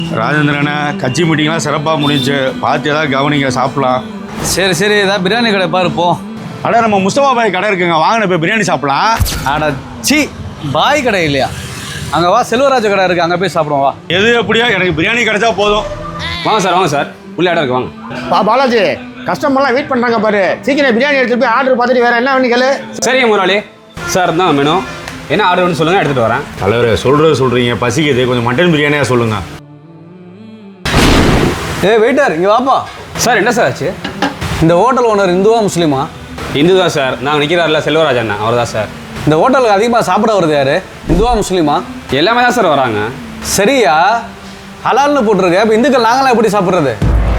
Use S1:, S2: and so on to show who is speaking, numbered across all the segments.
S1: ராஜேந்திரனை கட்சி மீட்டிங்லாம் சிறப்பாக முடிஞ்சு பார்த்து ஏதாவது கவனிங்க, சாப்பிட்லாம்.
S2: சரி சரி, ஏதாவது பிரியாணி கடை பாருப்போம்.
S1: அட நம்ம முஸ்தபா பாய் கடை இருக்குங்க, வாங்கின போய் பிரியாணி சாப்பிட்லாம்.
S2: அட சி, பாய் கடை இல்லையா? அங்கே வா, செல்வராஜ கடை இருக்குது, அங்கே போய் சாப்பிடுவோம் வா.
S1: எது எப்படியா, எனக்கு பிரியாணி கிடைச்சா போதும்.
S3: வாங்க சார் உள்ள இடம் இருக்கு வாங்க.
S4: பாலாஜி, கஸ்டமர்லாம் வெயிட் பண்ணுறாங்க பாரு, சீக்கிரம் பிரியாணி எடுத்துட்டு போய் ஆர்டர் பார்த்துட்டு வேறு என்ன வேணும் கேளு.
S3: சரிங்க முதலாளி. சார் தான் மெனு என்ன ஆர்டர் வேணும்னு சொல்லுங்கள், எடுத்துகிட்டு வரேன்.
S1: தலைவர் சொல்கிறீங்க, பசிக்குது, கொஞ்சம் மட்டன் பிரியாணியாக சொல்லுங்கள்.
S2: வெயிட்டர் இங்கே வாப்பா.
S3: சார் என்ன சார் ஆச்சு?
S2: இந்த ஹோட்டல் ஓனர் இந்துவா முஸ்லீமா?
S3: இந்து தான் சார். நாங்கள் நிற்கிறாரில்ல செல்வராஜ் அண்ணா, அவர் தான் சார்.
S2: இந்த ஹோட்டலுக்கு அதிகமாக சாப்பிட வருது யாரு? இந்துவா முஸ்லீமா?
S3: எல்லாமே தான் சார் வராங்க.
S2: சரியா, ஹலால்னு போட்டிருக்கு. இப்போ இந்துக்கள் நாங்களாம் எப்படி சாப்பிட்றது?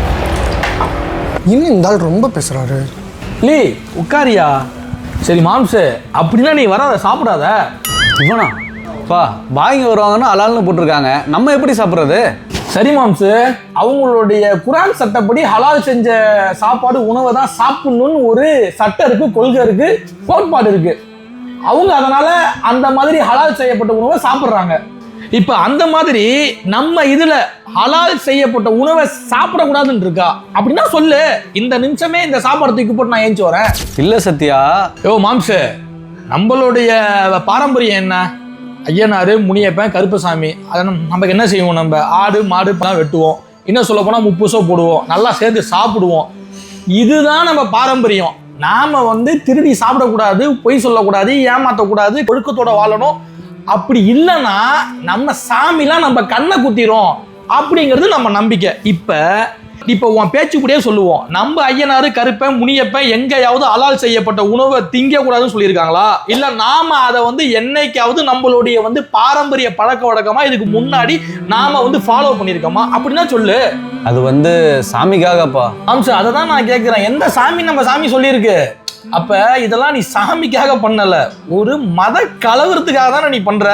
S4: இன்னும் இந்த ஆள் ரொம்ப பேசுகிறாரு.
S5: லீ உட்காரியா. சரி மாம்சு, அப்படின்னா நீ வராத, சாப்பிடாத.
S2: இவனா பா, பாய்ங்க வருவாங்கன்னா ஹலால்னு போட்டிருக்காங்க, நம்ம எப்படி சாப்பிட்றது?
S5: சரி மாம்சு, அவங்களுடைய குரான் சட்டப்படி ஹலால் செஞ்ச சாப்பாடு உணவை தான் சாப்பிடணும்னு ஒரு சட்டம் இருக்கு, கொள்கை இருக்கு, கோட்பாடு இருக்கு. அவங்க அதனால அந்த மாதிரி ஹலால் செய்யப்பட்ட உணவை சாப்பிட்றாங்க. இப்ப அந்த மாதிரி நம்ம இதுல ஹலால் செய்யப்பட்ட உணவை சாப்பிடக்கூடாதுன்னு இருக்கா? அப்படின்னா சொல்லு, இந்த நிமிஷமே இந்த சாப்பாடு தூக்கி போட்டு நான் ஏஞ்சி வரேன்.
S2: இல்லை சத்யா.
S5: யோ மாம்சு, நம்மளுடைய பாரம்பரியம் என்ன? ஐயனாரு, முனியப்பன், கருப்பசாமி. அதை நமக்கு என்ன செய்வோம்? நம்ம ஆடு மாடு எல்லாம் வெட்டுவோம், இன்னும் சொல்ல போனால் முப்புசோ போடுவோம், நல்லா சேர்ந்து சாப்பிடுவோம். இதுதான் நம்ம பாரம்பரியம். நாம திருடி சாப்பிடக்கூடாது, பொய் சொல்லக்கூடாது, ஏமாற்றக்கூடாது, ஒழுக்கத்தோட வாழணும். அப்படி இல்லைன்னா நம்ம சாமிலாம் நம்ம கண்ணை குத்திரும் அப்படிங்கிறது நம்ம நம்பிக்கை. இப்போ உன் பேச்சுப்படியே சொல்லுவோம், நம்ம ஐயனாரு, கருப்பன், முனியப்பன் எங்கேயாவது ஹலால் செய்யப்பட்ட உணவை திங்கக்கூடாதுன்னு சொல்லியிருக்காங்களா? இல்லை நாம அதை என்னைக்காவது நம்மளுடைய பாரம்பரிய பழக்க வழக்கமா இதுக்கு முன்னாடி நாம ஃபாலோ பண்ணியிருக்கோமா? அப்படின்னா சொல்லு.
S2: அது சாமிக்காகப்பா.
S5: அம்சம் அதை தான் நான் கேட்குறேன். எந்த சாமி நம்ம சாமி சொல்லியிருக்கு? அப்ப இதெல்லாம் நீ சாமிக்காக பண்ணல, ஒரு மத கலவரத்துக்காக தானே நீ பண்ற.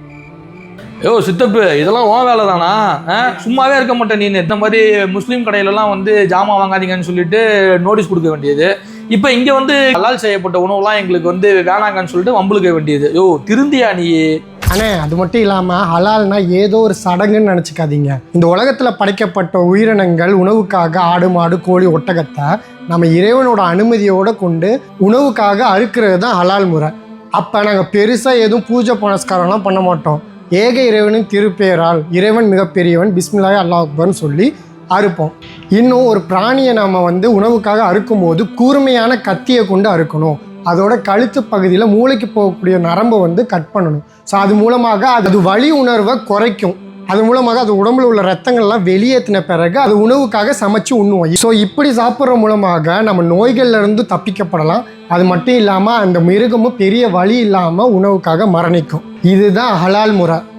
S5: யோ சித்தப்பு, இதெல்லாம் உன் வேலை தானா? சும்மாவே இருக்க மாட்டேன் நீ. இந்த மாதிரி முஸ்லீம் கடையிலலாம் ஜாமான் வாங்காதீங்கன்னு சொல்லிட்டு நோட்டீஸ் கொடுக்க வேண்டியது. இப்போ இங்கே ஹலால் செய்யப்பட்ட உணவுலாம் எங்களுக்கு வேணாங்கன்னு சொல்லிட்டு வம்புழுக்க வேண்டியது. யோ திருந்தியா நீ?
S4: அண்ணே, அது மட்டும் இல்லாமல் ஹலால்னா ஏதோ ஒரு சடங்குன்னு நினச்சிக்காதீங்க. இந்த உலகத்தில் படைக்கப்பட்ட உயிரினங்கள் உணவுக்காக ஆடு மாடு கோழி ஒட்டகத்தை நம்ம இறைவனோட அனுமதியோடு கொண்டு உணவுக்காக அறுக்கிறது தான் ஹலால் முறை. அப்போ நாங்கள் பெருசாக எதுவும் பூஜை புனஸ்காரம்லாம் பண்ண மாட்டோம். ஏக இறைவனின் திருப்பெயரால் இறைவன் மிகப்பெரியவன், பிஸ்மில்லாஹி அல்லாஹ் அக்பர்னு சொல்லி அறுப்போம். இன்னும் ஒரு பிராணியை நாம் உணவுக்காக அறுக்கும் போது கூர்மையான கத்தியை கொண்டு அறுக்கணும். அதோட கழுத்து பகுதியில் மூளைக்கு போகக்கூடிய நரம்பை கட் பண்ணணும். ஸோ அது மூலமாக அது வலி உணர்வை குறைக்கும். அது மூலமாக அது உடம்புல உள்ள ரத்தங்கள்லாம் வெளியேற்றின பிறகு அது உணவுக்காக சமைச்சு உண்ணுவோம். ஸோ இப்படி சாப்பிட்ற மூலமாக நம்ம நோய்கள்லேருந்து தப்பிக்கப்படலாம். அது மட்டும் இல்லாமல் அந்த மிருகமும் பெரிய வலி இல்லாமல் உணவுக்காக மரணிக்கும். இதுதான் ஹலால் முறை.